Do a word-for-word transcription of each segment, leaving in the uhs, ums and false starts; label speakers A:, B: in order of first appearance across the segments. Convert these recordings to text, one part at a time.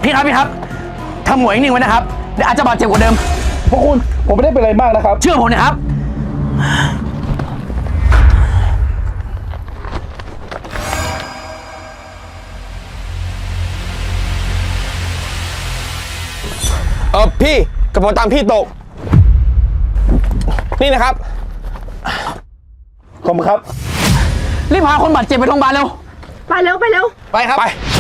A: พี่ครับพี่ครับทำหัวนิ่งๆไว้นะครับเดี๋ยวอาจจะบาดเจ็บกว่าเดิม
B: พวกคุณผมไม่ได้เป็นอะไรมากนะครับ
A: เชื่อผมนะครับ
C: เออพี่กระเป๋าตังค์พี่ตกนี่นะครับ
B: ขอบคุณครับ
A: รีบพาคนบาดเจ็บไปโรงพยาบาลเร็ว
D: ไปเร็วไปเร็ว
C: ไปครับไป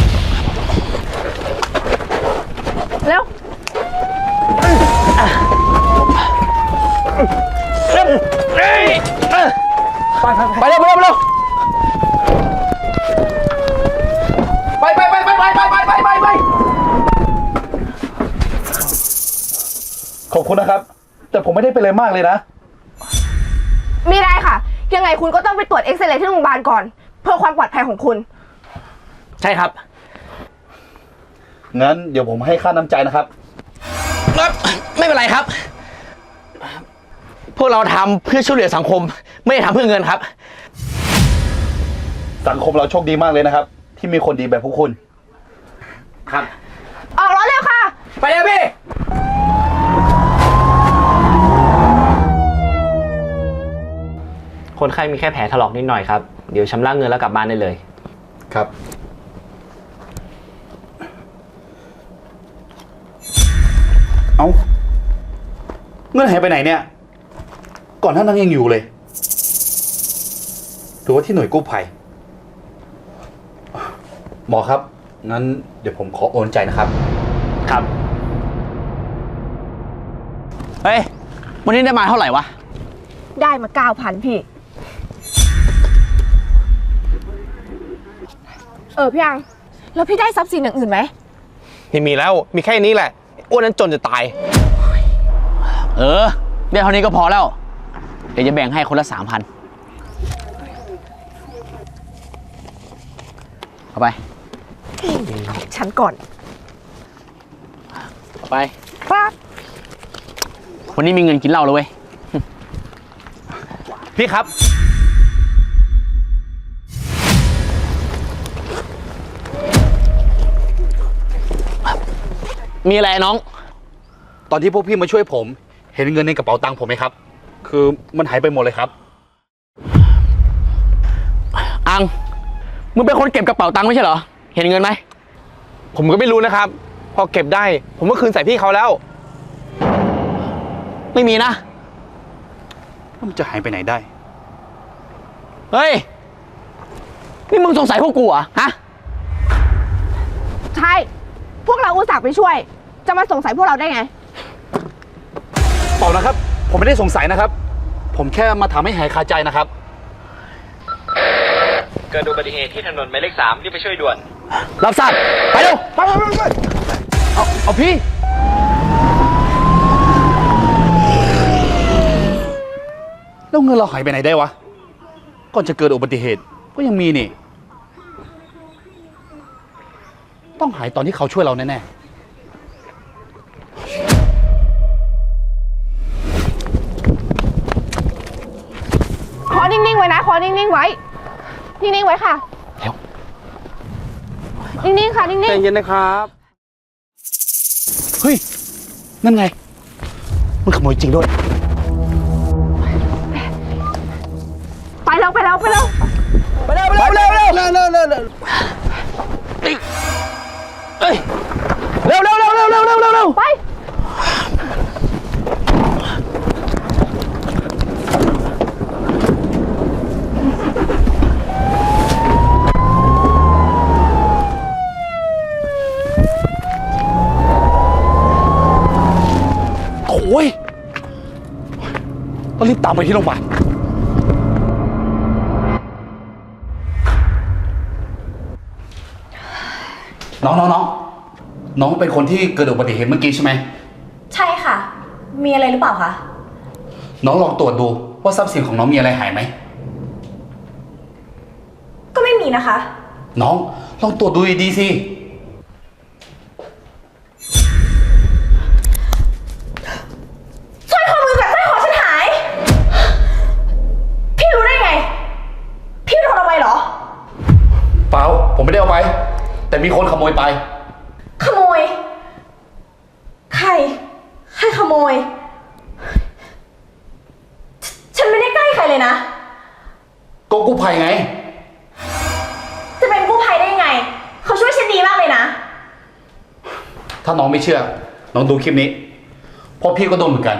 D: เร็ว
A: ไปเร็วไปเร็วไปเร็วไปไปไปไปไปไปไปไปไปไป
B: ขอบคุณนะครับแต่ผมไม่ได้เป็นอะไรมากเลยนะ
D: ไม่ได้ค่ะยังไงคุณก็ต้องไปตรวจเอ็กซเรย์ที่โรงพยาบาลก่อนเพื่อความปลอดภัยของคุณ
A: ใช่ครับ
B: งั้นเดี๋ยวผมให้ค่าน้ำใจนะครับ
A: ไม่เป็นไรครับพวกเราทำเพื่อช่วยเหลือสังคมไม่ได้ทำเพื่อเงินครับ
B: สังคมเราโชคดีมากเลยนะครับที่มีคนดีแบบพวกคุณ
A: ครับ
D: ออกรถเร็วค่ะ
A: ไปเลยพี่
E: คนไข้มีแค่แผลถลอกนิดหน่อยครับเดี๋ยวชำระเงินแล้วกลับบ้านได้เลย
B: ครับเอาเงินหายไปไหนเนี่ยก่อนหน้านั้นยังอยู่เลยหรือว่าที่หน่วยกู้ภัยหมอครับงั้นเดี๋ยวผมขอโอนใจนะครับ
A: ครับเฮ้ยวันนี้ได้มาเท่าไหร่วะ
D: ได้มาเก้าพันพี่เออพี่อังแล้วพี่ได้ทรัพย์สินอย่างอื่นไหม
C: ไม่มีแล้วมีแค่นี้แหละอ้วนนั้นจนจะตาย
A: เออได้เท่านี้ก็พอแล้วเดี๋ยวจะแบ่งให้คนละสามพันเอาไป
D: ฉันก่อน
A: เอาไปครับวันนี้มีเงินกินเหล้าเลยเว้ย
C: พี่ครับ
A: มีอะไรน้อง
B: ตอนที่พวกพี่มาช่วยผมเห็นเงินในกระเป๋าตังค์ผมไหมครับคือมันหายไปหมดเลยครับ
A: อังมึงเป็นคนเก็บกระเป๋าตังค์ไม่ใช่เหรอเห็นเงินไหม
C: ผมก็ไม่รู้นะครับพอเก็บได้ผมก็คืนใส่พี่เขาแล้ว
A: ไม่มีนะ
B: มันจะหายไปไหนได้
A: เฮ้ยนี่มึงสงสัยพวกกูเหรอฮะ
D: ใช่พวกเราอุตส่าห์ไปช่วยจะมาสงสัยพวกเราได้ไง
B: เปล่านะครับผมไม่ได้สงสัยนะครับผมแค่มาถามให้หายคาใจนะครับ
E: เกิดอุบัติเหตุที่ถนนหมายเลขสามรีบไปช่วยด่วน
A: รับทราบไปเร็วไปไปไปเอาเอาพี่
B: แล้วเงินเราหายไปไหนได้วะก่อนจะเกิดอุบัติเหตุก็ยังมีนี่ต้องหายตอนที่เขาช่วยเราแน่ๆ
D: ขอนิ่งๆไว้นะขอนิ่งๆไว้นิ่งๆไว้ค่ะ
A: เร็ว
D: นิ่งๆค่ะนิ่งๆ
C: ใจเย็นนะครับ
B: เฮ้ยนั่นไงมันขโมยจริงด้วย
D: ไปแล้วไปแล้วไปแล้ว
A: ไปเร็วไปเร็วเร็วเร็วเร็วเร็วเร็วเร็วเฮ้ยเร็วเร็วเร็วเร็วเร็วเร็วเร็วเร็ว
D: ไป
B: โอ้ยต้องรีบตามไปที่โรงพยาบาลน้องน้องน้องน้องเป็นคนที่เกิดอุบัติเหตุเมื่อกี้ใช่ไหม
F: ใช่ค่ะมีอะไรหรือเปล่าคะ
B: น้องลองตรวจดูว่าทรัพย์สินของน้องมีอะไรหายไหม
F: ก็ไม่มีนะคะ
B: น้องลองตรวจดูดีๆสิ
F: สร้อยข้อมือกับสร้อยคอฉันหายพี่รู้ได้ไงพี่โดนเอาไปเหรอ
B: เปล่าผมไม่ได้เอาไปแต่มีคนขโมยไป
F: ขโมย ใคร ใครขโมย ฉฉันไม่ได้ใกล้ใครเลยนะ
B: ก็กู้ภัยไง
F: จะเป็นกู้ภัยได้ยังไง เขาช่วยฉันดีมากเลยนะ
B: ถ้าน้องไม่เชื่อ น้องดูคลิปนี้เพราะพี่ก็โดนเหมือนกัน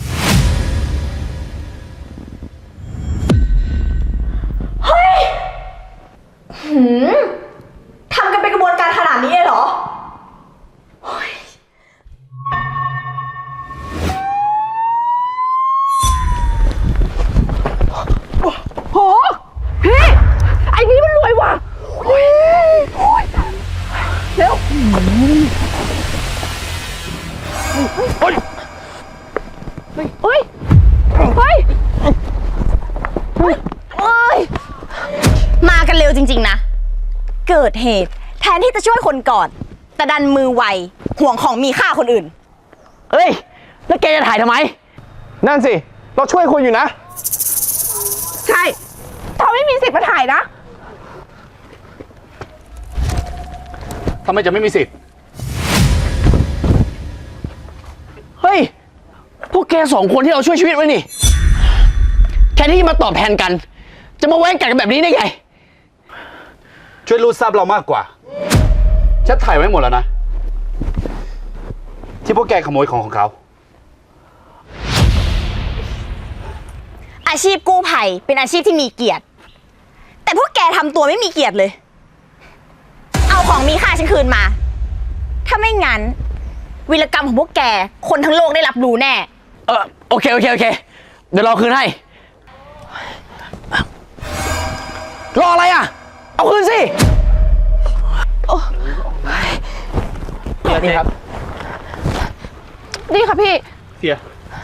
F: เฮ้ย หืม ทำกันเป็นกระบวนการขนาดนี้เลยเหรอ
D: โห พี่ ไอ้นี่มันรวยว่ะโอ้ยโอ้ยเร็วเฮ้ย เฮ้ย เฮ้ย เฮ้ย
F: เอ้ย มากันเร็วจริงๆนะ เกิดเหตุแทนที่จะช่วยคนก่อน แต่ดันมือไว ห่วงของมีค่าคนอื่น
A: เอ้ย แล้วแกจะถ่ายทำไม
C: นั่นสิ เราช่วยคุณอยู่นะ
D: ใช่เธอไม่มีสิทธิ์มาถ่ายนะ
B: ทำไมจะไม่มีสิทธิ์
A: เฮ้ย พวกแกสองคนที่เราช่วยชีวิตไว้นี่ แค่ที่มาตอบแทนกัน จะมาแว้งกัดกันแบบนี้ได้ไง
B: ช่วยรูดทรัพย์เรามากกว่าฉันถ่ายไว้หมดแล้วนะ ที่พวกแกขโมยของของเขา
F: อาชีพกู้ภัยเป็นอาชีพที่มีเกียรติ แต่พวกแกทำตัวไม่มีเกียรติเลย เอาของมีค่าฉันคืนมา ถ้าไม่งั้นวีรกรรมของพวกแกคนทั้งโลกได้รับรู้แน่
A: เออโอเค โอเค โอเค เดี๋ยวเราคืนให้ รออะไรอ่ะ เอาคืนสิ
C: นี่ครับ
D: นี่ค่ะพี่
B: เสีย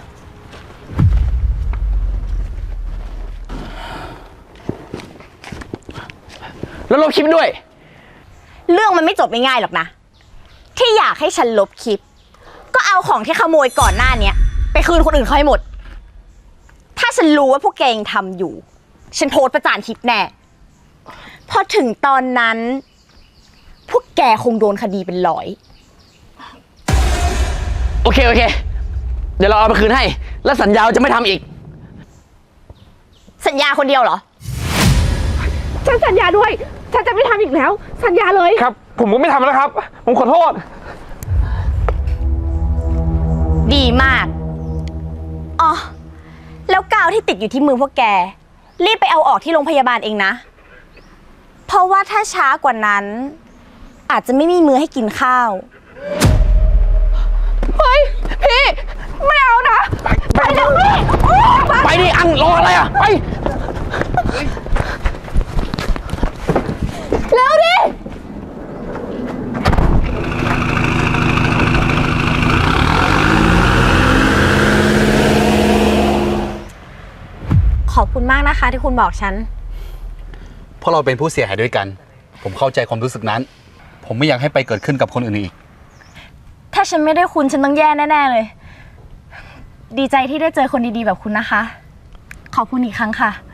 A: แล้วลบคลิปด้วย
F: เรื่องมันไม่จบง่ายๆหรอกนะ ที่อยากให้ฉันลบคลิป ก็เอาของที่ขโมยก่อนหน้าเนี้ยไปคืนคนอื่นเขาให้หมด ถ้าฉันรู้ว่าพวกแกยังทำอยู่ ฉันโพสต์ประจานคลิปแน่ พอถึงตอนนั้น พวกแกคงโดนคดีเป็นร้อย
A: โอเค โอเค เดี๋ยวเราเอาไปคืนให้ แล้วสัญญาว่าจะไม่ทำอีก
F: สัญญาคนเดียวเหรอ
D: ฉันสัญญาด้วย ฉันจะไม่ทำอีกแล้ว สัญญาเลย
C: ครับ ผมก็ไม่ทำแล้วครับ ผมขอโทษ
F: ดีมาก อ๋อ แล้วกาวที่ติดอยู่ที่มือพวกแก รีบไปเอาออกที่โรงพยาบาลเองนะ เพราะว่าถ้าช้ากว่านั้น อาจจะไม่มีมือให้กินข้าว
D: เฮ้ย พี่ ไม่เอานะ ไปเดี๋ยวพี่
A: ไปดิ อังรออะไรอ่ะ ไป
D: เร็วดิ
F: ขอบคุณมากนะคะที่คุณบอกฉัน
B: เพราะเราเป็นผู้เสียหายด้วยกัน ผมเข้าใจความรู้สึกนั้น ผมไม่อยากให้ไปเกิดขึ้นกับคนอื่นอีก
F: ถ้าฉันไม่ได้คุณฉันต้องแย่แน่ๆเลย ดีใจที่ได้เจอคนดีๆแบบคุณนะคะ ขอบคุณอีกครั้งค่ะ